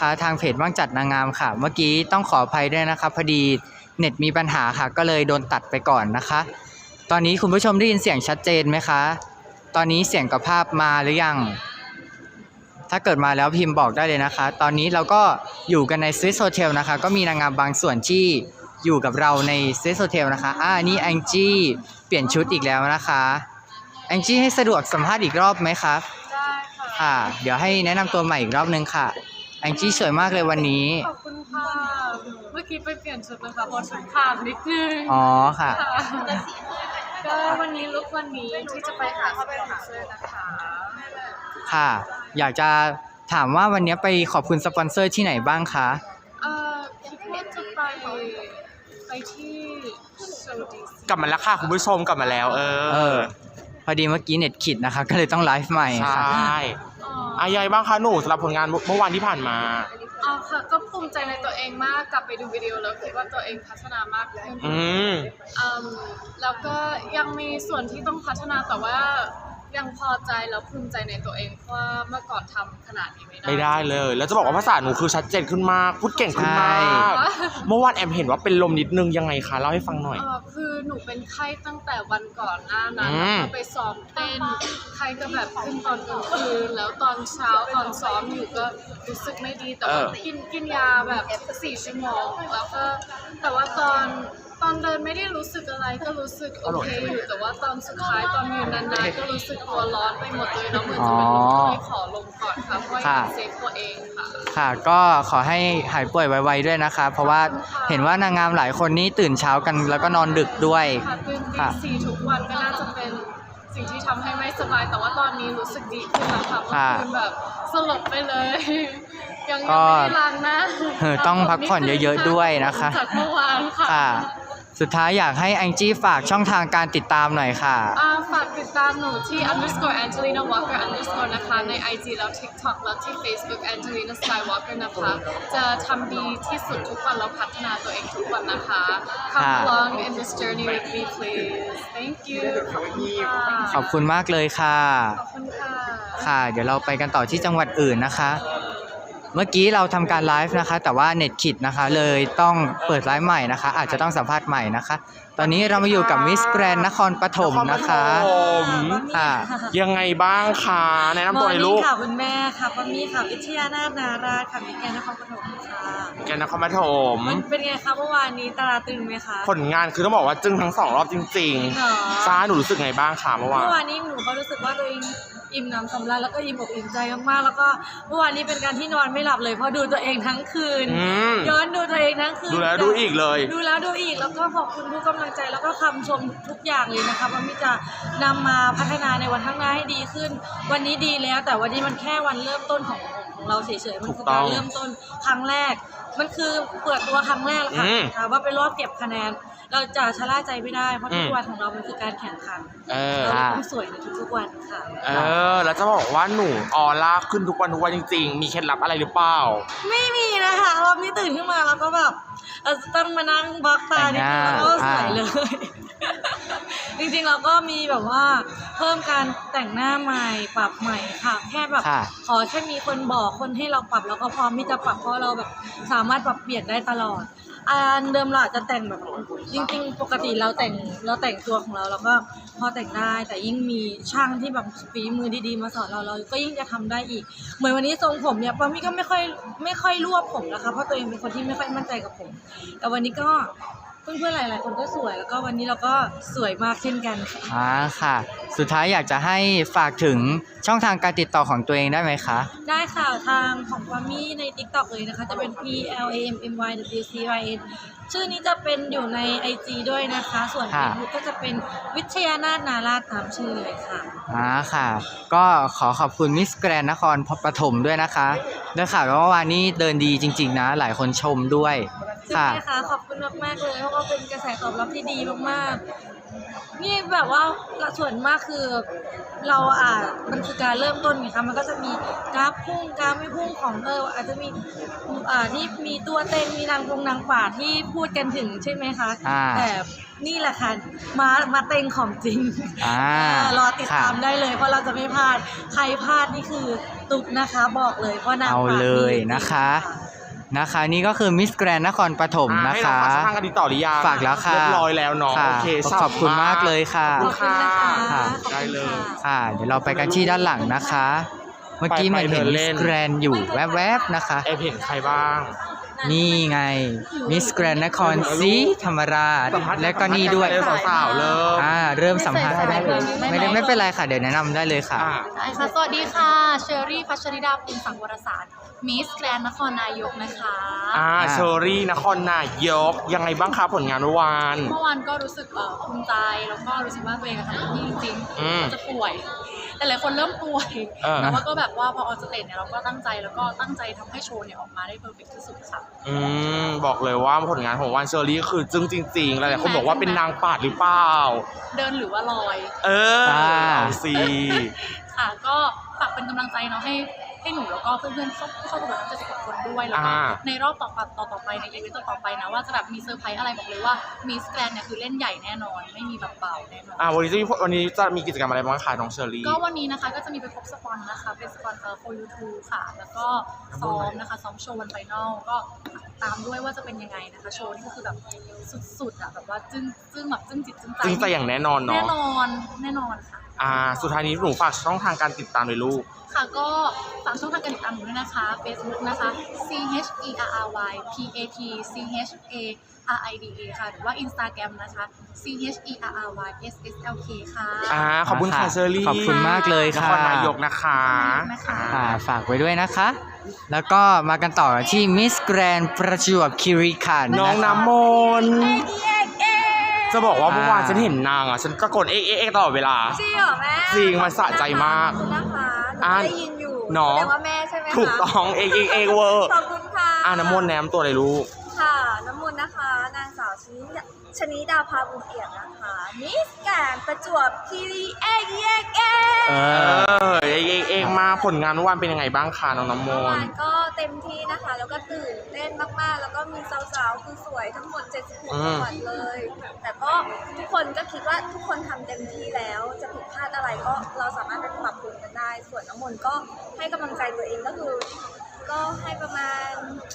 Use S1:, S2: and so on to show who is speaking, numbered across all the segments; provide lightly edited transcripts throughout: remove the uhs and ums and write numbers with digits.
S1: นะคะทางเพจว่างจัดนางงามค่ะเมื่อกี้ต้องขออภัยด้วยนะคะพอดีเน็ตมีปัญหาค่ะก็เลยโดนตัดไปก่อนนะคะตอนนี้คุณผู้ชมได้ยินเสียงชัดเจนไหมคะตอนนี้เสียงกับภาพมาหรือยังถ้าเกิดมาแล้วพิมพ์บอกได้เลยนะคะตอนนี้เราก็อยู่กันใน Swiss Hotel นะคะก็มีนางงามบางส่วนที่อยู่กับเราใน Swiss Hotel นะคะนี่แองจี้เปลี่ยนชุดอีกแล้วนะคะแองจี้ให้สะดวกสัมภาษณ์อีกรอบไหมครับ
S2: ได้
S1: ค่ะ เดี๋ยวให้แนะนำตัวใหม่อีกรอบนึงค่ะแองจี้สวยมากเลยวันนี้
S2: ขอบคุณค่ะเมื่อกี้ไปเปลี่ยนชุดนะคะเพราะชุดขาดนิดนึง
S1: อ๋อค่ะ
S2: ก็วันนี้ลุกวันนี้ที่จะไปหาสปอนเซอร์นะคะ
S1: ค่ะอยากจะถามว่าวันนี้ไปขอบคุณสปอนเซอร์ที่ไหนบ้างคะ
S2: คิดว่าจะไปที่โซดี
S3: กลับมาแล้วค่ะคุณผู้ชมกลับมาแล้ว
S1: พอดีเมื่อกี้เน็ตขิดนะคะก็เลยต้องไลฟ์ใหม่ค่ะ
S3: ใช่ยังไงบ้างคะหนูสำหรับผลงานเมื่อวานที่ผ่านมา
S2: ค่ะก็ภูมิใจในตัวเองมากกลับไปดูวิดีโอแล้วคิดว่าตัวเองพัฒนามากขึ้นแล้วก็ยังมีส่วนที่ต้องพัฒนาแต่ว่ายังพอใจแล้วภูมิใจในตัวเองเพราะว่าเมื่อก่อนทำขนาดนี้ไม่ได้
S3: เลยแล้วจะบอกว่าภาษาหนูคือชัดเจนขึ้นมากพูดเก่งขึ้นมากเมื่อวานแอมเห็นว่าเป็นลมนิดนึงยังไงคะเล่าให้ฟังหน่อย
S2: คือหนูเป็นไข้ตั้งแต่วันก่อนหน้านั้นแล้วไปซ้อมเต้นไข้ก็แบบขึ้นตอนกลางคืนแล้วตอนเช้าตอนซ้อมอยู่ก็รู้สึกไม่ดีแต่ว่ากินยาแบบ4 ชั่วโมงแล้วก็แต่ว่าตอนเดินไม่ได้รู้สึกอะไรก็รู้สึกโอเคอยู่แต่ว่าตอนสุดท้ายตอนยืนนานๆก็รู้สึกตัวร้อนไปหมดเลยแล้วมือจะเป็นลมก็เลยขอลงก่อนค่ะเพราะอยากเซฟตัวเองค่ะ
S1: ค่ะก็ขอให้หายป่วยไวๆด้วยนะคะเพราะว่าเห็นว่านางงามหลายคนนี่ตื่นเช้ากันแล้วก็นอนดึกด้วย
S2: ตื่นตี 4ทุกวันก็น่าจะเป็นสิ่งที่ทำให้ไม่สบายแต่ว่าตอนนี้รู้สึกดีขึ้นแล้วค่ะเพราะคุณแบบสลบไปเลยยังไม่ได้ล้างหน้า
S1: ต้องพักผ่อนเยอะๆด้วยนะคะ
S2: จากเมื่อวานค่ะ
S1: สุดท้ายอยากให้แองจี้ฝากช่องทางการติดตามหน่อยค่ะ
S2: ฝากติดตามหนูที่ _Angelina Walker_ นะคะใน IG แล้ว TikTok แล้วที่ Facebook Angelina Skywalker นะคะจะทำดีที่สุดทุกวันแล้วพัฒนาตัวเองทุกวันนะคะ Come along in this journey with me please Thank you
S1: ขอบคุณมากเลยค่ะ
S2: ขอบคุณค่ะ
S1: ค่ะเดี๋ยวเราไปกันต่อที่จังหวัดอื่นนะคะเมื่อกี้เราทำการไลฟ์นะคะแต่ว่าเน็ตขิดนะคะเลยต้องเปิดไลฟ์ใหม่นะคะอาจจะต้องสัมภาษณ์ใหม่นะคะตอนนี้เรามาอยู่กับมิสแกรนด์นครปฐมนะคะ
S3: ค่ะยังไงบ้างคะแนะนำตัวหน่อยลูก
S4: ค่ะคุณแม่ค่ะปามี่ค่ะวิทยานาถนาราค่ะมิสแกรนด์นครปฐมค่ะ
S3: แกนนครปฐม
S4: เป็นไงคะเมื่อวานนี้ตาตึงไหมคะ
S3: ผลงานคือต้องบอกว่าจึ้งทั้ง2 รอบจริงๆซ่าหนูรู้สึกไงบ้างคะเมื่อวาน
S4: นี้หนูก็รู้สึกว่าตัวเองอิ่มน้ำสำราญแล้วก็อิ่มอกอิ่มใจมากๆแล้วก็เมื่อวานนี้เป็นการที่นอนไม่หลับเลยเพราะดูตัวเองทั้งคืนย้อนดูตัวเองทั้งคืน
S3: ดูแล้วดูอีกเลย
S4: ดูแล้วดูอีกแล้วก็ขอบคุณทุกกำลังใจแล้วก็คำชมทุกอย่างเลยนะคะว่ามิจะนำมาพัฒนาในวันข้างหน้าให้ดีขึ้นวันนี้ดีแล้วแต่วันนี้มันแค่วันเริ่มต้นของเราเฉยๆมันคือการเริ่มต้นครั้งแรกมันคือเปิดตัวครั้งแรกค่ะว่าเป็นรอบเก็บคะแนนเราจะชะล่าใจไม่ได้เพราะทุกวันของเรามันคือการแข่งขันเราต้องสวยในทุกๆวันค่ะ
S3: แล้วจะบอกว่าหนูออร่าขึ้นทุกวันจริงๆมีเคล็ดลับอะไรหรือเปล่า
S4: ไม่มีนะคะเราไม่ตื่นขึ้นมาแล้วก็แบบต้องมานั่งบล็อกตานิดนึงแล้วก็สวยเลยจริงๆเราก็มีแบบว่าเพิ่มการแต่งหน้าใหม่ปรับใหม่ค่ะแค่แบบขอแค่มีคนบอกคนให้เราปรับแล้วก็พร้อมที่จะปรับเพราะเราแบบสามารถปรับเปลี่ยนได้ตลอดอันเดิมเราอาจจะแต่งแบบจริงๆปกติเราแต่งตัวของเราแล้วก็พอแต่งได้แต่ยิ่งมีช่างที่แบบฝีมือดีๆมาสอนเราก็ยิ่งจะทำได้อีกเหมือนวันนี้ทรงผมเนี่ยปามี่ก็ไม่ค่อยรวบผมนะคะเพราะตัวเองเป็นคนที่ไม่ค่อยมั่นใจกับผมแต่วันนี้ก็เพื่อนๆหลายๆคนก็สวยแล้วก็วันนี้เราก็สวยมากเช่นกัน
S1: ค่ะสุดท้ายอยากจะให้ฝากถึงช่องทางการติดต่อของตัวเองได้ไหมคะ
S4: ได้ค่ะทางของปามี่ใน TikTok เลยนะคะจะเป็น PLAMMYWCYN ชื่อนี้จะเป็นอยู่ใน IG ด้วยนะคะส่วน Facebook ก็จะเป็นวิทยานาถนาราชตามชื่อเลยค่ะ
S1: ค่ะก็ขอบคุณมิสแกรนด์นครปฐมด้วยนะคะได้ข่าวว่าวันนี้เดินดีจริงๆนะหลายคนชมด้วย
S4: ค่ะขอบคุณมากๆเลยเพราะว่าเป็นกระแสตอบรับที่ดีมากๆนี่แบบว่าส่วนมากคือเรามันคือการเริ่มต้นไงคะมันก็จะมีกราฟพุ่งกราฟไม่พุ่งของอาจจะมีที่มีตัวเต็งมีนางป่าที่พูดกันถึงใช่ไหมคะแต่นี่แหละค่ะมาเต็งของจริงรอติดตามได้เลยเพราะเราจะไม่พลาดใครพลาดนี่คือตุกนะคะ บอกเลยว่านาง
S1: เอา
S4: ฟ้า
S1: เลย
S4: ดีจริงๆ
S1: นะคะนี่ก็คือมิสแกรนนครปฐมนะ
S3: ให้
S1: คะ
S3: เราฝากช่องทางกันดีต่อหรือยัง
S1: ฝากแล้วค่ะ
S3: เรียบร้อยแล้วเนาะ
S1: ค่ะ
S3: โอเค
S1: ขอบคุณมากเลยค่ะ
S3: ขอบคุณค่ะ
S1: ค่ะ
S3: ได้เลย
S1: ค่ะ เดี๋ยวเราไปกันที่ด้านหลังนะคะ เมื่อกี้
S3: ไป
S1: มันเห็น
S3: เดิน
S1: มิ
S3: เล่
S1: ส
S3: น
S1: แกรนอยู่แวบๆนะคะ
S3: เอฟเห็นใครบ้าง
S1: นี่ไงมิสแกรนนครศรีธรรมราชและก็นี่ด้วย
S3: สาวๆเลย
S1: เริ่มสัมภาษณ์ได้เลยไม่เป็นไรค่ะเดี๋ยวแนะนำได้เลยค่ะ
S3: อ่ะ
S5: ได้ค่ะ สวัสดีค่ะ เชอรี่พัชริดาภูมิสังวรสารมิสแกรนนครนายกนะคะ
S3: เชอรี่นครนายกยังไงบ้างคะผลงานเมื่อวาน
S5: เมื่อวานก็รู้สึกภูมิใจ แล้วก็รู้สึกว่าตัวเองทำเต็มที่จริง
S3: อืม
S5: ๆจะป่วย แต่หลายคนเริ่มป่วย แต่ว่าก็แบบว่าพอออนสเตจเนี่ยเราก็ตั้งใจแล้วก็ตั้งใจทำให้โชว์เนี่ยออกมาได้เพอร์เฟกต์ที่สุดค่ะ
S3: บอกเลยว่าผลงานของวันเชอรี่คือจึ้งจริงๆหลายๆคนบอกว่าเป็นนางปาดหรือเปล่า
S5: เดินหรือว่าลอย
S3: เอาสิ
S5: ค่ะ ก็ฝากเป็นกำลังใจเนาะให้หนูแล้วก็เพื่อนๆเข้าประกวดทั้ง70 คนด้วย แล้วก็ในรอบต่อไปในอีเวนต์ต่อไปนะว่าจะแบบมีเซอร์ไพรส์อะไรบอกเลยว่ามิสแกรนเนี่ยคือเล่นใหญ่แน่นอน ไม่มีแบบเบาแน่นอน
S3: วันนี้จะมีกิจกรรมอะไรบ้างคะน้องเชอรี่
S5: ก็วันนี้นะคะก็จะมีไปพบสปอนนะคะ เป็นสปอนfor YouTube ค่ะ แล้วก็ซ้อมนะคะซ้อมโชว์วันไฟนอลก็ตามด้วยว่าจะเป็นยังไงนะคะ โชว์นี่ก็คือแบบสุดๆอ่ะแบบว่าจึ้งแบบจึ้งจิตจึ้งใจ
S3: จึ้งใจอย่างแน่นอนเนาะ
S5: แน่นอนค่ะ
S3: สุดท้ายนี้หนูฝากช่องทางการติดตามเลยลูก
S5: ค่ะก็ฝากช่องทางการติดตามหนูด้วยนะคะ Facebook นะคะ CHERRYPATCHARIDA ค่ะ หรือว่า Instagram นะคะ CHERRYSSLK ค่ะ
S3: ขอบคุณค่ะเชอรี่
S1: ขอบคุณมากเลย
S3: น
S1: ค่ะ
S3: ครนายกนะคะ
S1: ฝากไว้ด้วยนะคะ แล้วก็มากันต่อที่มิสแกรนประจวบคีรีขันธ์
S3: น้อง
S1: ะคะ
S3: น้ำมนต์จะบอกว่าเมื่อวานฉันเห็นนางฉันตะโกนเอ๊ะตลอดเวลา
S4: จริงเหรอแม่
S3: จริงมันสะใจมาก
S4: ขอบคุณนะคะหนู
S3: อ่ะ
S4: ได้ยินอยู่
S3: เนาะ
S4: แสดงว่าแม่ใช่ไหมคะ
S3: ถูกต้องเอ๊ะเวอร์
S4: ขอบคุณค่ะ
S3: น้ำมนต์แนมตัวอะไรลูก
S4: ค่ะ น้ำมนต์นะคะ นางสาวชนิดาภาบุญเอี่ยมนะคะมิสแกรนด์ประจวบคีรีเอ๊ะ
S3: เองมาผลงานเมื่อวานเป็นยังไงบ้างคะน้องน้ำม
S4: เมื่อวาน
S3: ต์
S4: ก็เต็มที่นะคะ แล้วก็ตื่นเต้นมากๆ แล้วก็มีสาวๆคือสวยทั้งหมด76จังหวัดเลย แต่ก็ทุกคนก็คิดว่าทุกคนทำเต็มที่แล้ว จะผิดพลาดอะไรก็เราสามารถไปปรับปรุงกันได้ ส่วนน้ำมนต์ก็ให้กำลังใจตัวเองก็คือ ก็ให้ประมาณ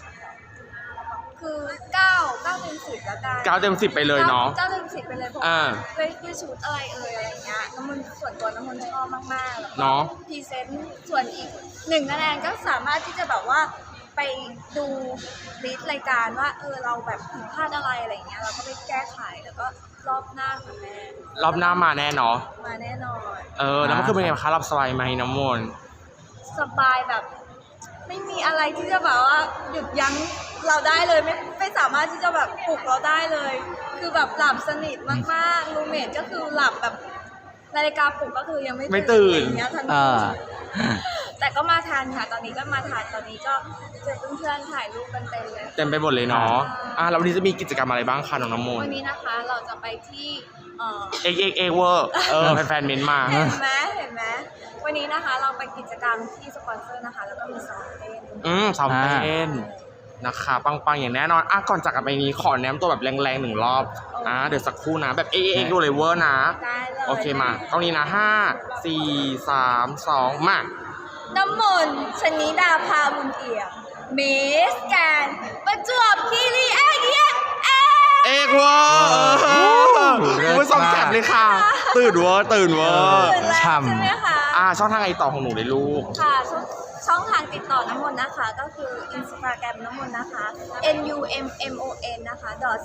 S4: คือ9เต็ม10แล้วกัน
S3: 9 เต็ม 10ไปเลยเนาะ
S4: 9เต็ม10ไปเลยเพราะว่าด้วยชุดอะไรอะไรอย่างเงี้ยน้ำมันส่วนตัวน้ำมันชอบมากๆแล้วก็
S3: เนาะ
S4: พรีเซนต์ส่วนอีก1คะแนนก็สามารถที่จะแบบว่าไปดูลิสต์รายการว่าเราแบบผิดพลาดอะไรอะไรอย่างเงี้ยเราก็ไปแก้ไขแล้วก็รอบหน้าค่ะแม่
S3: รอบหน้ามาแน่เนาะ
S4: มาแน่นอน
S3: แล้วมันคือเป็นไงคะรับสบายไหมน้ำมนต์
S4: สบายแบบ ไม่มีอะไรที่จะแบบว่าหยุดยั้งเราได้เลยไม่สามารถที่จะแบบปลุกเราได้เลย คือแบบหลับสนิทมากๆรูเมทก็คือหลับแบบนาฬิกาปลุกก็คือยังไม่ตื่นอย่างเงี้ยทันทีแต่ก็มาทันค่ะตอนนี้ก็มาทันตอนนี้ก็เจอเพื่อนๆถ่ายรูปกันเต็มเลย
S3: เต็มไปหมดเลยเนาะแล้ววันนี้จะมีกิจกรรมอะไรบ้างคะน้องน้ำมน
S4: วั
S3: ต์
S4: นนี้นะคะเราจะไปที่
S3: เอกเวอร์แฟนๆเม้นต์มา
S4: เห็นไหมวันนี้นะคะเราไปกิจกรรมที่สปอนเซอร์นะคะแล้วก็มีซ้อมเต้น
S3: ซ้อมเต้นนะคะปังๆอย่างแน่นอนก่อนจากกันไปนี้ขอแนมตัวแบบแรงๆ1 รอบเดี๋ยวสักครู่นะแบบเอกดูเลยเวอร์นะ
S4: ได้เลย
S3: โอเคมากล้องนี้นะ5 4 3 2มา
S4: น้ำมนต์ชนิดาภาบุญเอี่ยมมิสแกรนด์ประจวบคีรีเ
S3: อกเวอร์คุณผู้ชมแคปเลยค่ะตื่นเวอร์
S4: ตื่นแล้ว
S1: ฉ่ำ
S4: ใช่ไหมคะ
S3: ช่องทางไอต่อของหนูเลยลูก
S4: ค่ะช่องทางติดต่อน้ำมนต์นะคะก็คือ Instagram น้ำมนต์นะคะ NUMMON นะคะ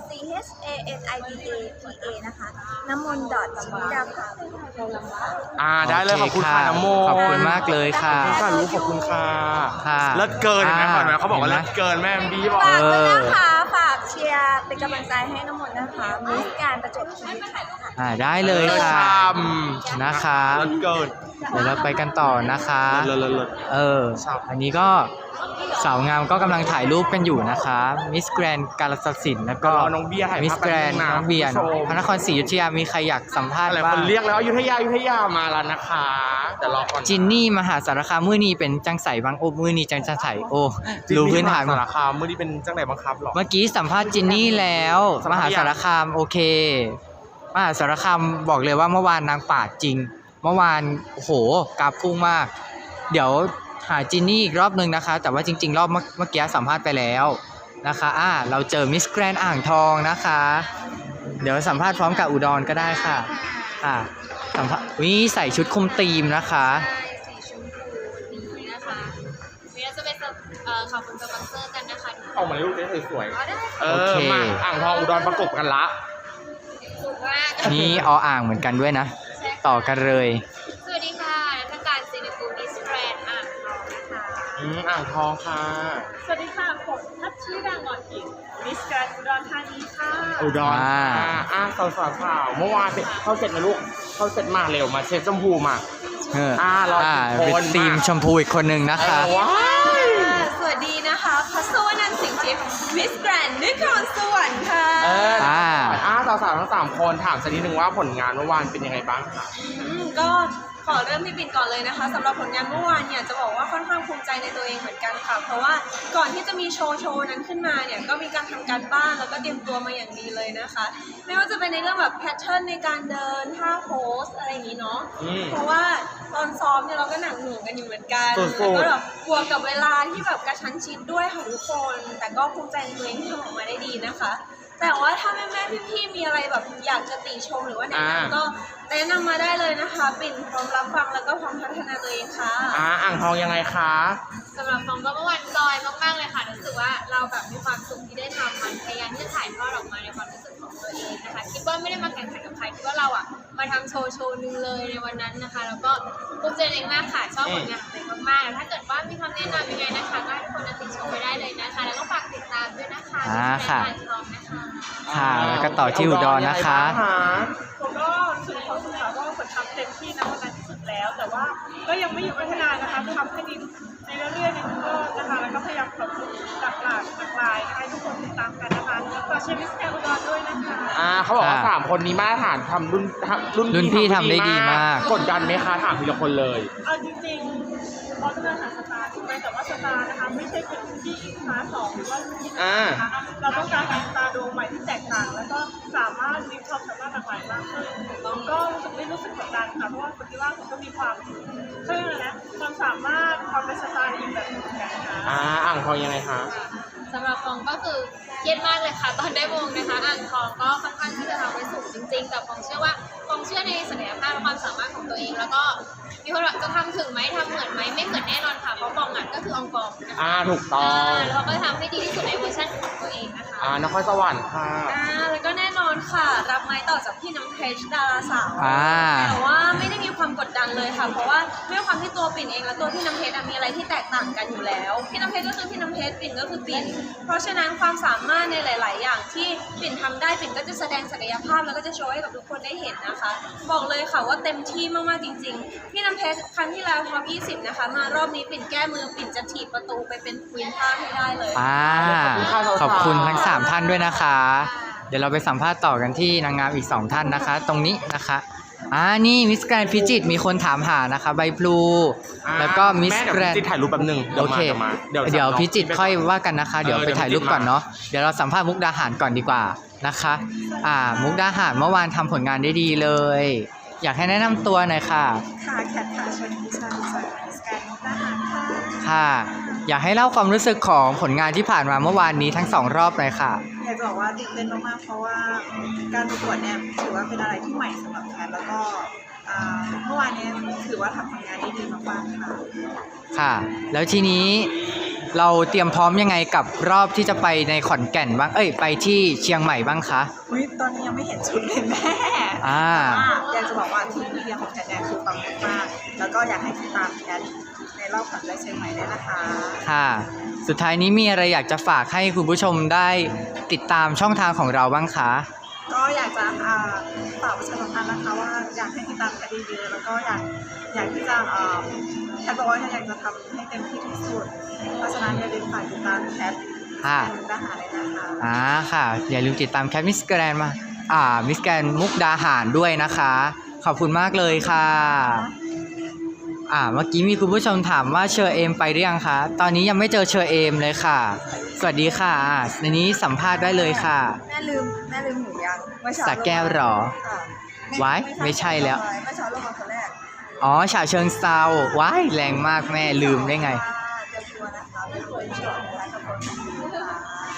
S4: CHANIDAPA นะคะน้ำมนต์ ชนิดาภาบุญเอี่ยม
S3: ได้เลยขอบคุณค่ะน้ำมนต์
S1: ขอบคุณมากเลยค่ะ
S3: ขอบคุณค่ะลูกขอบคุณค่ะ
S1: ค่ะ
S3: เลิศเกินเห็นไหม
S1: อ่า
S3: ก่อนไหมเขาบอกว่า
S1: เห็นไหม
S3: เลิศเกินแม่บีบอก
S4: ฝากด้วยนะคะฝากเชียร์เป็นกำลังใจให้น้ำมนต์นะคะมิสแกรนด์ประจวบคีรีขันธ์ค่ะ
S1: ได้เลยค่ะ
S3: นะ
S1: นะคะ
S3: เลิศเกิน
S1: เดี๋ยวเราไปกันต่อนะคะ
S3: เลิศ
S1: อันนี้ก็สาวงามก็กำลังถ่ายรูปกันอยู่นะคะมิสแกรนกาฬสินธุ์แล้วก็
S3: รอน้องเบียร์ถ่าย
S1: มิส
S3: ภาพ
S1: แกรน
S3: แป๊บนึงนะ
S1: น้องเบียร์
S3: คุณผู้ชม
S1: พระนครศรีอยุธยามีใครอยากสัมภาษณ์
S3: หลาย
S1: บ้า
S3: คน
S1: ง
S3: เรียกแล้วอยุธยามาแล้วนะคะแต่รอก่อน
S1: จินนี่มหาสารคามมื้อนี้เป็นจังใสบางโอ้มื้อนี้จังใสโอ้รู้พื้นฐาน
S3: สารคามเมื่อนี้เป็นจังไหนบังคับหรอ
S1: เมื่อกี้สัมภาษณ์จินนี่แล้ว
S3: สัม
S1: ม
S3: ภาษณ์
S1: หาสารคามโอเค มหาสารคามบอกเลยว่าเมื่อวานนางปาดจริง เมื่อวานโอ้โหกราฟพุ่งมาก เดี๋ยวหาจินนี่อีกรอบนึงนะคะ แต่ว่าจริงๆรอบเมื่อกี้สัมภาษณ์ไปแล้วนะคะเราเจอมิสแกรนอ่างทองนะคะ เดี๋ยวสัมภาษณ์พร้อมกับอุดรก็ได้ค่ะสัมภาษณ์ใส่ชุดคุมธีมนะคะ
S5: สีชมพูนี้นะคะเดี๋ยวจะไปขอบคุณสปอนเซอร์กันนะคะ
S3: ออกมาลูกได้สวย
S5: ได้
S3: ๆมาอ่างทองอุดรประกบกันละ
S5: สุดมาก
S1: นี่อ่างเหมือนกันด้วยนะ ต่อกันเลย
S5: สวัสดีค่ะนักการซีนิฟูมิสแกรนอ่างทองนะคะ
S3: อ่างทองค่ะ
S2: สวัสดีค่ะผมทัชชี่ดางอนอิงมิสแกรนด์อุดรธานีค่ะ
S3: อุดรสาวเมื่อวานเข้าเสร็จนะลูกเข้าเสร็จมาเร็วมาเช็ดชมพูมา รอทุกคน
S1: เป็นทีมชมพูอีกคนหนึ่งนะคะ
S3: ว้าย
S4: สวัสดีนะคะพัสวนันท์สิงห์ทิพย์มิสแกรนด์นครสวรรค์ค่ะ
S3: สาวๆทั้ง3คนถามสักนิดนึงว่าผลงานเมื่อวานเป็นยังไงบ้างคะ
S4: ก็ขอเริ่มที่ปิ่นก่อนเลยนะคะสำหรับผลงานเมื่อวานเนี่ยจะบอกว่าค่อนข้างภูมิใจในตัวเองเหมือนกันค่ะเพราะว่าก่อนที่จะมีโชว์นั้นขึ้นมาเนี่ยก็มีการทำการบ้านแล้วก็เตรียมตัวมาอย่างดีเลยนะคะ ไม่ว่าจะเป็นในเรื่องแบบแพทเทิร์นในการเดินท่าโพสอะไรอย่างนี้เนาะเพราะว่าตอนซ้อมเนี่ยเราก็หนักหน่วงกันอยู่เหมือนกันแล้วก็แบบบวกกับเวลาที่แบบกระชั้นชิดด้วยค่ะทุกคนแต่ก็ภูมิใจในตัวเองที่ทำออกมาได้ดีนะคะแต่ว่าถ้าแม่ๆพี่ๆมีอะไรแบบอยากจะติชมหรือว่าแนะนำก็แนะนำมาได้เลยนะคะปิ่นพร้อมรับฟังแล้วก็พร้อมพัฒนาตัวเองค่ะ
S3: อ่างทองยังไงคะ
S5: สำหรับฟองก็เมื่อวานจอยมากๆเลยค่ะรู้สึกว่าเราแบบมีความสุขที่ได้ทำมันพยายามที่จะถ่ายทอดออกมาในความรู้สึกของตัวเองนะคะคิดว่าไม่ได้มาแข่งขันกับใครคิดว่าเรามาทำโชว์นึงเลยในวันนั้นนะคะแล้วก็ภูมิใจเองมากค่ะชอบผลงานของตัวเองมากๆถ้าเกิดว่ามีคำแนะนำยังไงนะคะก็ให้ทุกคนติชมไปได้เลยนะคะแล้วก็ฝากติดตามด้วยนะคะที่เป็นอ่างทองนะคะ
S1: ค่ะแล้วก็ต่อที่อุดรนะคะ
S2: ผมก็รู้สึกความสุขค่ะว่าผลทำเต็มที่นะวันนั้นที่สุดแล้ว แต่ว่าก็ยังไม่หยุดพัฒนานะคะทำให้ดีในเรื่อยๆในทุกรอบนะคะแล้วก็พยายามปรับปรุงหลากหลายให้ทุกคนติดตามกันนะคะฝากเชียร์มิสแกรนด์อุดรด้วยนะคะ
S3: เขาบอกว่า3คนนี้มาตรฐานทำรุ่นพี่ทำได้ดีมากกดดันไหมคะถามทีละคนเลย
S2: เอาจริงๆเราต้องการหาสตาร์ใช่ไหมแต่ว่าสตาร์นะคะไม่ใช่เป็นที่คลาส2หรือว่าที่นะคะเราต้องการหาสตาร์ดวงใหม่ที่แตกต่าง แล้วก็สามารถมีความสามารถหลากหลายมากขึ้นก็ไม่รู้สึกกดดันค่ะเพราะว่าคนที่ว่าผมก็มีความความสามารถความเป็นสตาร์อีกแบบหนึ่งนะคะ
S3: อ่างทองยังไงคะ
S5: สำหรับฟองก็คือเครียดมากเลยค่ะตอนได้วงนะคะอ่างทองก็ค่อนข้างที่จะทำไว้สูงจริงๆแต่ฟองเชื่อว่าฟองเชื่อในศักยภาพและความสามารถของตัวเองแล้วก็มีคนบอกจะทำถึงไหมทำเหมือนไหมไม่เหมือนแน่นอนค่ะเพราะฟองก็คือองฟองนะคะ
S3: ถูกต้อง
S5: แล้วก็ทำให้ดีที่สุดในเวอร์ชันของตัวเองนะคะ
S3: นครสวรรค์ค่ะ
S4: แล้วก็แน่นอนค่ะรับไม้ต่อจากพี่น้ำเพชรดาราสาวแต่ว่าไม่ได้มีความกดดันเลยค่ะเพราะว่าด้วยความที่ตัวปิ่นเองและตัวพี่น้ำเพชรมีอะไรที่แตกต่างกันอยู่แล้วพี่น้ำเพชรก็คือพี่น้ำเพชรปิ่นก็คือปิ่นเพราะฉะนั้นความสามารถในหลาย ๆ อย่างที่ปิ่นทำได้ปิ่นก็จะแสดงศักยภาพแล้วก็จะโชว์ให้กับทุกคนได้เห็นนะคะบอกเลยค่ะว่าเต็มที่มากๆจริง ๆ พี่น้ำเพชรครั้งที่แล้วท็อป20นะคะมารอบนี้ปิ่นแก้มือปิ่นจะถีบประตูไปเป็นควีนท่าให้ได้เลย
S1: ขอบคุณทั้ง3ท่านด้วยนะคะเดี๋ยวเราไปสัมภาษณ์ต่อกันที่นางงามอีก2ท่านนะคะตรงนี้นะคะนี่มิสแกรนด์พิจิตรมีคนถามหานะคะใบพลูแล้วก็มิสแกรนด์
S3: ถ่ายรูปแป๊บนึง
S1: โอเคเดี๋ยวพิจิตรค่อยว่ากันนะคะเดี๋ยวไปถ่ายรูปก่อนเนาะเดี๋ยวเราสัมภาษณ์มุกดาหารก่อนดีกว่านะคะมุกดาหารเมื่อวานทำผลงานได้ดีเลยอยากให้แนะนำตัวหน่อยค่ะ
S6: ค่ะแคทค่ะชนทิชาจากมิสแกรนด์มุกดาหารค่ะ
S1: ค่ะอยากให้เล่าความรู้สึกของผลงานที่ผ่านมาเมื่อวานนี้ทั้ง2รอบเลยค่ะ
S6: อยากจะบอกว่าตื่นเต้นมากๆเพราะว่าการประกวดเนี่ยถือว่าเป็นอะไรที่ใหม่สำหรับแคทแล้วก็เมื่อวานนี้ถือว่าทำผลงานได้ดีมากๆค่ะ
S1: ค่ะแล้วทีนี้เราเตรียมพร้อมยังไงกับรอบที่จะไปในขอนแก่นบ้างไปที่เชียงใหม่บ้างคะ
S6: ตอนนี้ยังไม่เห็นชุดเลยแม่อยากจะบอกว่าทีมเรียนของแคทเนี่ยคือปังมากๆแล้วก็อยากให้ติดตามแคทในรอบขวัญใจเชียงใหม่ได้นะคะ
S1: ค่ะสุดท้ายนี้มีอะไรอยากจะฝากให้คุณผู้ชมได้ติดตามช่องทางของเราบ้างคะ
S6: ก็อยากจะฝากประชาสัมพันธ์นะคะว่าอยากให้ติดตามแคทดีๆแล้วก็อยากที่จะแคทบอกว่าอยากจะทำให้เต็มที่ที่สุดเพราะฉะนั้นอย่าลืมฝากติดตามแคทมุกดาหารเลยนะคะ
S1: ค่ะอย่าลืมติดตามแคทมิสแกรนด์มิสแกรนด์มุกดาหารด้วยนะคะขอบคุณมากเลยค่ะเมื่อกี้มีคุณผู้ชมถามว่าเชอเอมไปหรือยังคะตอนนี้ยังไม่เจอเชอเอมเลยค่ะสวัสดีค่ะในนี้สัมภาษณ์ได้เลยค่ะ
S6: แม่ลืมหนูยัง
S1: สักแก้วหรอไว้ไม่ใช่แล้ว
S6: เมื่อเช้าลงมาคนแรก
S1: อ๋อฉะเชิงเซาว้ายแรงมากแม่ลืมได้ไง
S6: เตรียมตัวนะคะไม่ควรเชื่อนะคะกับคนอื่นค่ะ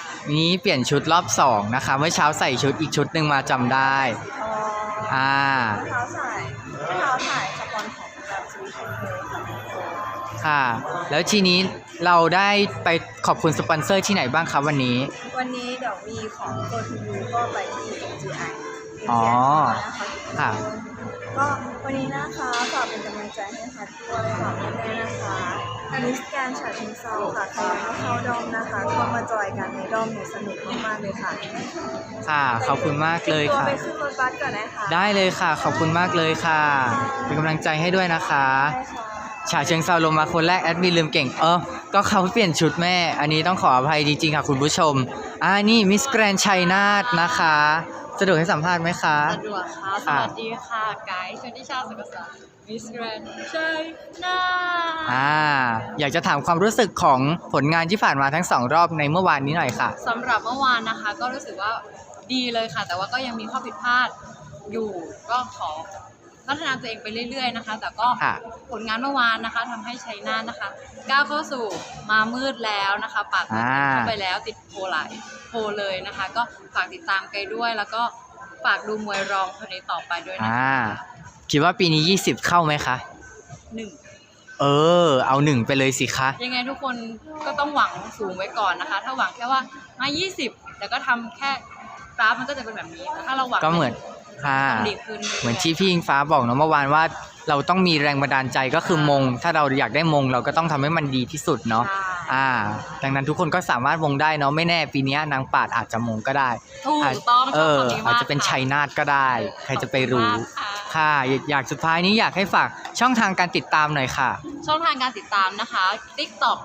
S1: นี้เปลี่ยนชุดรอบ2นะคะเมื่อเช้าใส่ชุดอีกชุดหนึ่งมาจำได้ อ่า
S6: เท้าสายสปอนของแบบสวีทเทลค่ะ
S1: ค่ะ แล้วทีนี้เราได้ไปขอบคุณสปอนเซอร์ที่ไหนบ้างครับวันนี้
S6: วันนี้เดี๋ยวมีของ Go to You ก็ไปที่ MGI
S1: อ๋อ
S6: นะคะ
S1: ค่ะ
S6: ก็วันนี้นะคะฝากเป็นกำลังใจให้ค่ะด้วยฝากแม่ๆนะคะมิสแกรนด์ฉะเชิงเทราค่ะใครยังไม่เข้าด้อมนะคะเข้ามาจอยกันในด้อมเนี่ยสนุกมากๆเลยค่ะ
S1: ค่ะ ขอบคุณมากเลย
S6: ตัว
S1: ค่ะ
S6: ไปขึ้นรถบัสก่อนนะคะ
S1: ได้เลยค่ะ ขอบคุณมากเลยค่ะ เป็นกำลังใจให้ด้วยนะคะ
S6: ได้ค่ะ
S1: ฉะเชิงเซาลงมาคนแรกแอดมินลืมเก่งก็เขาเปลี่ยนชุดแม่ อันนี้ต้องขออภัยจริงๆค่ะคุณผู้ชมนี่มิสแกรนชัยนาทนะคะสะดวกให้สัมภาษณ์ไหมคะ
S5: สะดวกค่ะ สวัสดีค่ะ ไกด์ชนทิชาสุกษามิสแกรนด์ชัยนาท
S1: อยากจะถามความรู้สึกของผลงานที่ผ่านมาทั้ง2รอบในเมื่อวานนี้หน่อยค่ะ
S5: สำหรับเมื่อวานนะคะ ก็รู้สึกว่าดีเลยค่ะ แต่ว่าก็ยังมีข้อผิดพลาดอยู่ก็ขอพัฒนาตัวเองไปเรื่อยๆนะคะ แต่ก็
S1: ค่ะ
S5: ผลงานเมื่อวานนะคะทำให้ชัยนาทนะคะก้าวเข้าสู่มามืดแล้วนะคะปาดเข้าไปแล้วติดโพลเลยนะคะ ก็ฝากติดตามไกด์ด้วย แล้วก็ฝากดูมวยรองคนนี้ต่อไปด้วยนะคะ
S1: คิดว่าปีนี้20เข้าไหมคะ
S5: หนึ่ง
S1: เอา1ไปเลยสิคะ
S5: ยังไงทุกคนก็ต้องหวังสูงไว้ก่อนนะคะ ถ้าหวังแค่ว่ามา20แต่ก็ทำแค่กราฟมันก็จะเป็นแบบนี้แต่ถ้าเราหวัง
S1: ก็เหมือนค่ะ
S5: ต้องดีขึ้น
S1: เหมือนที่พี่อิงฟ้าบอกเนาะเมื่อวานว่าเราต้องมีแรงบันดาลใจก็คือมง ถ้าเราอยากได้มงเราก็ต้องทำให้มันดีที่สุดเนาะ
S5: ใช่
S1: ดังนั้นทุกคนก็สามารถมงได้เนาะไม่แน่ปีนี้นางปาดอาจจะมงก็ได้
S5: ถูกต้องชอบคำนี้มาก
S1: อาจจะเป็นชัยนาทก็ได้ ใครจะไปรู้
S5: ขอบคุณมากค่ะ
S1: ค่ะอยากสุดท้ายนี้อยากให้ฝากช่องทางการติดตามหน่อยค่ะ
S5: ช่องทางการติดตามนะคะ TikTok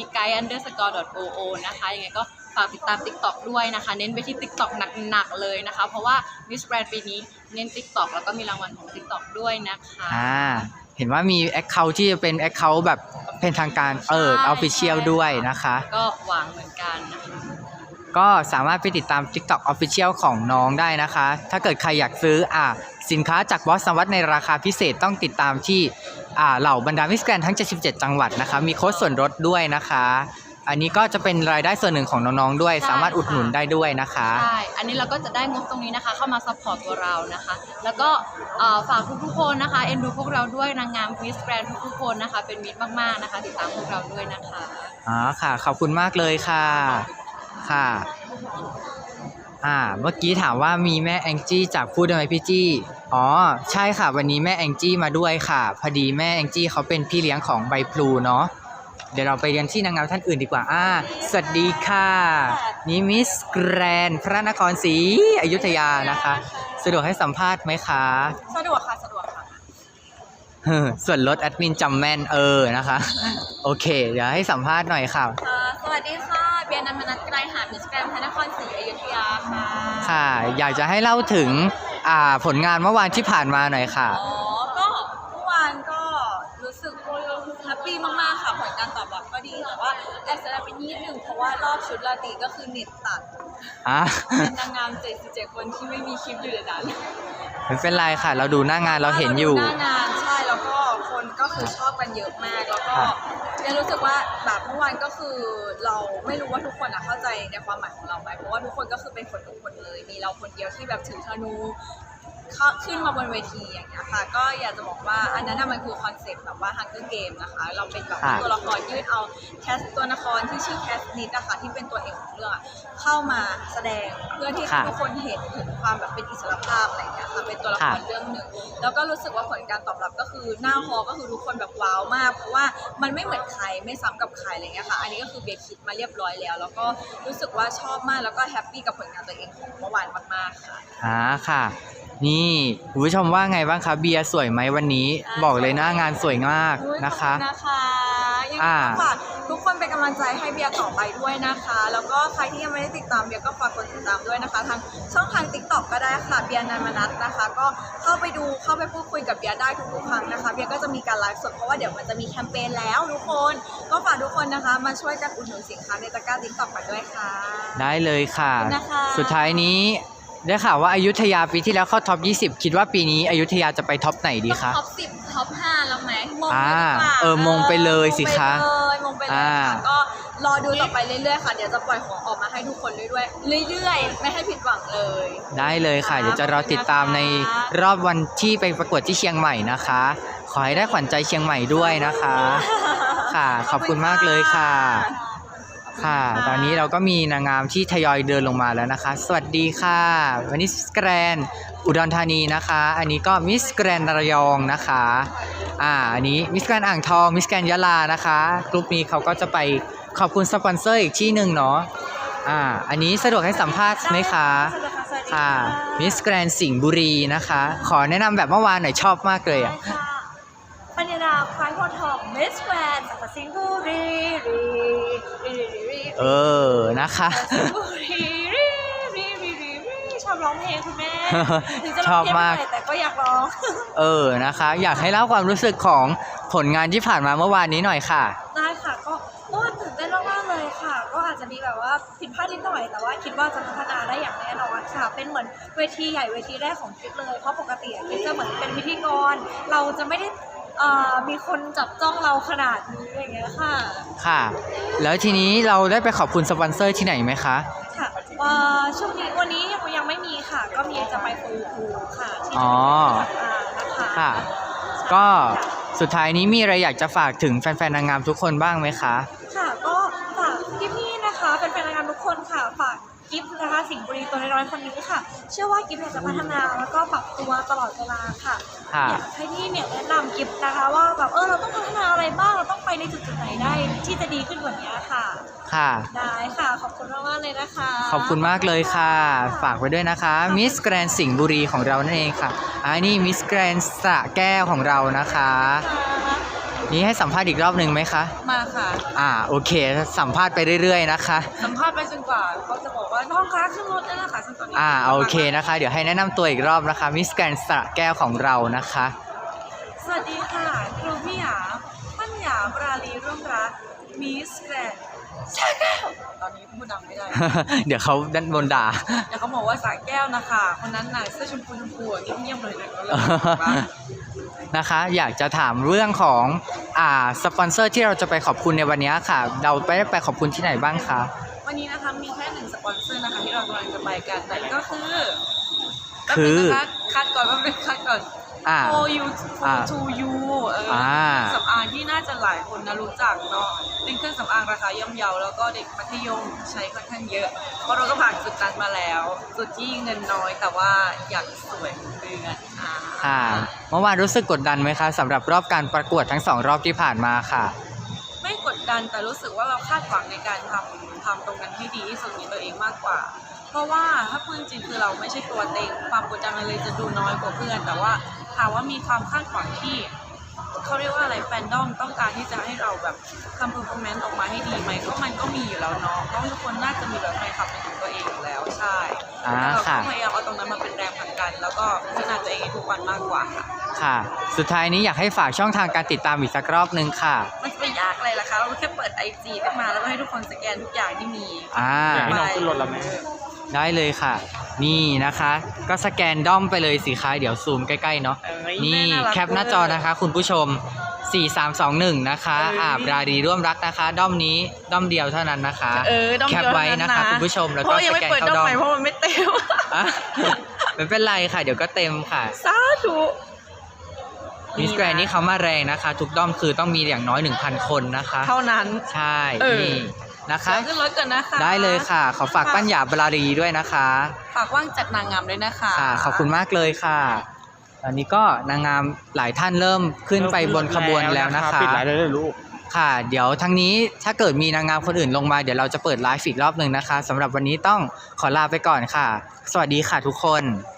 S5: @guy_oo นะคะยังไงก็ฝากติดตาม TikTok ด้วยนะคะ เน้นไปที่ TikTok หนักๆเลยนะคะ เพราะว่า Miss Grand ปีนี้เน้น TikTok แล้วก็มีรางวัลของ TikTok ด้วยนะคะ
S1: เห็นว่ามี Account ที่จะเป็น Account แบบเป็นทางการOfficial ด้วยนะคะ
S5: ก็หวังเหมือนกันนะคะ
S1: ก็สามารถไปติดตาม TikTok Official ของน้องได้นะคะ ถ้าเกิดใครอยากซื้อสินค้าจากบอสสวัสดในราคาพิเศษต้องติดตามที่เหล่าบรรดามิสแกรนทั้ง 77 จังหวัดนะคะ มีโค้ดส่วนลดด้วยนะคะ อันนี้ก็จะเป็นรายได้ส่วนหนึ่งของน้องๆด้วย
S5: ใช่
S1: สามารถอุดหนุนได้ด้วยนะคะ
S5: ใช่ อันนี้เราก็จะได้งบตรงนี้นะคะ เข้ามาซัพพอร์ตตัวเรานะคะ แล้วก็ฝากทุกๆคนนะคะเอ็นดูพวกเราด้วยนางงามมิสแกรนทุกๆคนนะคะ เป็นมิตรมากๆนะคะ ติดตามพวกเราด้วยนะคะ
S1: ค่ะ ขอบคุณมากเลยค่ะ ค่ะ เมื่อกี้ถามว่ามีแม่แองจี้จากพูดได้ไหมพี่จี้ใช่ค่ะ วันนี้แม่แองจี้มาด้วยค่ะ พอดีแม่แองจี้เขาเป็นพี่เลี้ยงของใบพลูเนาะ เดี๋ยวเราไปเรียนที่นางงามท่านอื่นดีกว่าสวัสดีค่ะ นี่มิสแกรนพระนครศรีอยุธยานะคะ สะดวกให้สัมภาษณ์ไหมคะ
S6: สะดวกค่ะ สะดวกค่ะ
S1: ส่วนลดแอดมินจำแม่นนะคะ โอเค เดี๋ยวให้สัมภาษณ์หน่อยค่ะ
S5: สวัสดีค่ะ เบียร์นันมนัสไกรหามิสแกรนพระนครศรีอยุธยาค่ะ
S1: ค่ะ อยากจะให้เล่าถึงผลงานเมื่อวานที่ผ่านมาหน่อยค่ะ
S6: ก็เมื่อวานก็รู้สึกแฮปปี้มากๆค่ะผลการตอบรับก็ดีแต่ว่าแอบเสียดายไปนิดหนึ่งเพราะว่ารอบชุดราตรีก็คือเน็ตตัดเป็นนางงาม77คนที่ไม่มีคลิปอยู่ในนั้น
S1: ไม่เป็นไรค่ะ เราดูหน้างานเราเห็นอยู่
S6: หน้างานใช่แล้วก็คนก็คือชอบกันเยอะมากแล้วก็ยังรู้สึกว่าแบบเมื่อวานก็คือเราไม่รู้ว่าทุกคนเข้าใจในความหมายของเราไหมเพราะว่าทุกคนก็คือเป็นคนทุกคนเลยมีเราคนเดียวที่แบบถือธนูขึ้นมาบนเวทีอย่างเงี้ยค่ะก็อยากจะบอกว่าอันนั้นมันคือคอนเซ็ปต์แบบว่า Hunger Game นะคะเราเป็นแบบตัวละครยืดเอาแคสตัวละครที่ชื่อแคสนิดนะคะที่เป็นตัวเอกของเรื่องเข้ามาแสดงเพื่อที่ให้ทุกคนเห็นถึงความแบบเป็นอิสรภาพอะไรอย่างเงี้ยค่ะเป็นตัวละครเรื่องหนึ่งแล้วก็รู้สึกว่าผลการตอบรับก็คือหน้าฮอก็คือทุกคนแบบว้าวมากเพราะว่ามันไม่เหมือนใครไม่ซ้ำกับใครอะไรเงี้ยค่ะอันนี้ก็คือเบียร์คิดมาเรียบร้อยแล้วแล้วก็รู้สึกว่าชอบมากแล้วก็แฮปปี้กับผลงานตัวเองของเมื่อวานมากๆค่ะ
S1: ค่ะ นี่คุณผู้ชมว่าไงบ้างคะเบียร์สวยไหมวันนี้ บอกเลยหน้างานสวยมากนะคะ
S6: ขอบคุณนะคะยังไงก็ฝากทุกคนเป็นกำลังใจให้เบียร์ต่อไปด้วยนะคะ แล้วก็ใครที่ยังไม่ได้ติดตามเบียร์ก็ฝากกดติดตามด้วยนะคะทางช่องทาง TikTok ก็ได้ค่ะเบียร์นันมนัสนะคะ ก็เข้าไปดูเข้าไปพูดคุยกับเบียร์ได้ทุกๆครั้งนะคะเบียร์ก็จะมีการไลฟ์สดเพราะว่าเดี๋ยวมันจะมีแคมเปญแล้วทุกคนก็ฝากทุกคนนะคะมาช่วยกันอุดหนุนสินค้าในตะกร้า TikTok กันด้วยค่ะ
S1: ได้เลยค่ะ
S6: ขอบคุณนะคะ
S1: สุดท้ายนี้ได้ข่าวว่าอยุธยาปีที่แล้วเข้าท็อป 20 คิดว่าปีนี้อยุธยาจะไปท็อปไหนดีคะ
S5: ท็อป 10 ท็อป 5 แล้ว
S4: งเลยดีกว่า
S1: มงไปเลยสิคะ
S4: มงไปเลยค่ะก็รอดูต่อไปเรื่อยๆค่ะเดี๋ยวจะปล่อยของออกมาให้ทุกคนเรื่อยๆไม่ให้ผิดหวังเลย
S1: ได้เลยค่ะ เดี๋ยวจะรอติดตามในรอบวันที่ไปประกวดที่เชียงใหม่นะคะ ขอให้ได้ขวัญใจเชียงใหม่ด้วยนะคะ ค่ะ ขอบคุณมากเลยค่ะ ค่ะ ตอนนี้เราก็มีนางงามที่ทยอยเดินลงมาแล้วนะคะ สวัสดีค่ะวันนี้มิสแกรนอุดรธานีนะคะ อันนี้ก็มิสแกรนระยองนะคะ อันนี้มิสแกรนอ่างทองมิสแกรนยะลานะคะกลุ่มนี้เขาก็จะไปขอบคุณสปอนเซอร์อีกที่หนึ่งเนาะอันนี้สะดวกให้สัมภาษณ์ไหมคะค่ะมิสแกรนสิงห์บุรีนะคะ ขอแนะนำแบบเมื่อวานหน่อยชอบมากเลยอ่ะ
S4: ปัญญาควายโพธิ์ทองมิสแกรนด์จากสิงห์บุรี
S1: นะคะ
S4: ชอบร้องเพลงคุณแม่ถึงจะ
S1: ช
S4: ร้
S1: อ
S4: อง
S1: บ
S4: เพลง
S1: มาก
S4: ไม่ได้แต่ก็อยากร้อง
S1: นะคะ อยากให้เล่าความรู้สึกของผลงานที่ผ่านมาเมื่อวานนี้หน่อยค่ะ
S4: ได้ค่ะก็ตื่นเต้นมากๆเลยค่ะ ก็อาจจะมีแบบว่าผิดพลาดนิดหน่อยแต่ว่าคิดว่าจะพัฒนาได้อย่างแน่นอนค่ะ เป็นเหมือนเวทีใหญ่เวทีแรกของกิ๊บเลยเพราะปกติกิ๊บจะเหมือนเป็นพิธีกรเราจะไม่ได้มีคนจับจ้องเราขนาดนี้อย่างเงี้ยค่ะ
S1: ค่ะ แล้วทีนี้เราได้ไปขอบคุณสปอนเซอร์ที่ไหนไหมคะ
S4: ค่ะช่วงนี้วันนี้ยังไม่มีค่ะ ก็มีจะไปฟูค่ะที่
S1: อ๋อ
S4: นะคะ
S1: ค่ะ ก็สุดท้ายนี้มีอะไรอยากจะฝากถึงแฟนๆนางงามทุกคนบ้างไหมคะ
S4: ค่ะก็ฝากพี่ๆนะคะเป็นแฟนรายการทุกคนค่ะฝากกิฟต์นะคะสิงห์บุรีตัวน้อยๆคนนี้ค่ะ เชื่อว่ากิฟต์จะพัฒนาแล้วก็ปรับตัวตลอดเวลาค่ะ
S1: ค่ะ
S4: อยากให้พี่เนี่ยแนะนำกิฟต์นะคะว่าแบบเราต้องพัฒนาอะไรบ้างเราต้องไปในจุดไหนได้ที่จะดีขึ้นกว่านี้ค่ะ
S1: ค่ะ
S4: ได้ค่ะขอบคุณมากๆเลยนะคะ
S1: ขอบคุณมากเลยค่ะ ฝากไว้ด้วยนะคะมิสแกรนสิงห์บุรีของเรานั่นเองค่ะนี่มิสแกรนสระแก้วของเรานะคะ นี่ให้สัมภาษณ์อีกรอบหนึ่งไหมคะ
S4: มาค่ะ
S1: โอเค สัมภาษณ์ไปเรื่อยๆนะคะ
S4: สัมภาษณ์ไปจนกว่าเขาจะบอกว่าน้องคะขึ้นรถได้แล้วค่ะซึ่งตอนนี้
S1: โอเคนะคะ เดี๋ยวให้แนะนำตัวอีกรอบนะคะมิสแกรนสระแก้วของเรานะคะ
S4: สวัสดีค่ะครูพี่หยาปัญญาปราลีร่วมรักมิสแกรนด์สระแก้วตอนนี้พูดดังไม่ได้
S1: เดี๋ยวเขาด้านบนด่า
S4: เดี๋ยวเขาบอกว่าสระแก้วนะคะคนนั้นน่ะเสื้อชมพูเงียบๆเลยนะเขาเลยบอกว่า
S1: นะคะอยากจะถามเรื่องของสปอนเซอร์ที่เราจะไปขอบคุณในวันนี้ค่ะ เราไปขอบคุณที่ไหนบ้างคะ
S4: วันนี้นะคะมีแค่1สปอนเซอร์นะคะที่เรากำลังจะไปกันแต่ก็คือ
S1: คือ
S4: นะคะคัดก่อนโฟยูทูยูสำอางที่น่าจะหลายคนนะรู้จักเนาะเป็นเครื่องสำอางราคาย่อมเยาแล้วก็เด็กมัธยมใช้ค่อนข้างเยอะเพราะเราก็ผ่านจุดนั้นมาแล้วจุดที่เงินน้อยแต่ว่าอยากสวยเหมือนเดือน
S1: ค่ะเมื่อวานรู้สึกกดดันไหมคะสำหรับรอบการประกวดทั้ง2รอบที่ผ่านมาค่ะ
S4: ไม่กดดันแต่รู้สึกว่าเราคาดหวังในการทำตรงนั้นให้ดีที่สุดในตัวเองมากกว่าเพราะว่าถ้าพูดจริงคือเราไม่ใช่ตัวเต็งความกดดันเลยจะดูน้อยกว่าเพื่อนแต่ว่าถามว่ามีความคาดหวังที่เขาเรียกว่าอะไรแฟนดอมต้องการที่จะให้เราแบบทำเพอร์ฟอร์แมนซ์ออกมาให้ดีไหมก็มันก็มีอยู่แล้วเนาะน้องทุกคนน่าจะมีแบบแฟนคลับเป็นของตัวเองอยู่แล้วใช่แล้วเราก็พยายามเอาตรงนั้นมาเป็นแรงผลักดันแล้วก็พัฒนาตัวเองทุกวันมากกว่า
S1: ค่ะสุดท้ายนี้อยากให้ฝากช่องทางการติดตามอีกสักรอบนึงค่ะ
S4: มันจะไปยากอะไรล่ะคะเราแค่เปิด IG ขึ้นมาแล้วก็ให้ทุกคนสแกนทุกอย่างที่มี
S3: อยากให้น้องขึ้นรถแล้วแม่
S1: ได้เลยค่ะนี่นะคะก็สแกนด้อมไปเลยสิคะเดี๋ยวซูมใกล้ๆเนาะนี่แคปหน้าจอนะคะคุณผู้ชม4321นะคะปราดีร่วมรักนะคะด้อมนี้ด้อมเดียวเท่านั้นนะคะแคปไว้นะคะคุณผู้ชมแล้วก็สแกนเข้าด้อม
S4: เพราะมันไม่เต็ม
S1: ไม่เป็นไรค่ะเดี๋ยวก็เต็มค่ะ
S4: สาธุ
S1: มิสแกรนนี่เขามาแรงนะคะทุกด้อมคือต้องมีอย่างน้อย 1,000 คนนะคะ
S4: เท่านั้น
S1: ใช่นี่นะคะ
S4: ขึ้นรถกันนะคะ
S1: ได้เลยค่ะขอฝากปัญญาปราดีด้วยนะคะ
S4: ฝากว่างจัดนางงามด้วยนะคะ
S1: ค่ะขอบคุณมากเลยค่ะตอนนี้ก็นางงามหลายท่านเริ่มขึ้นไปบนขบวนแล้วนะคะ
S3: ปิดไลฟ์ได้เลยลูก
S1: ค่ะเดี๋ยวทั้งนี้ถ้าเกิดมีนางงามคนอื่นลงมาเดี๋ยวเราจะเปิดไลฟ์อีกรอบหนึ่งนะคะสำหรับวันนี้ต้องขอลาไปก่อนค่ะสวัสดีค่ะทุกคน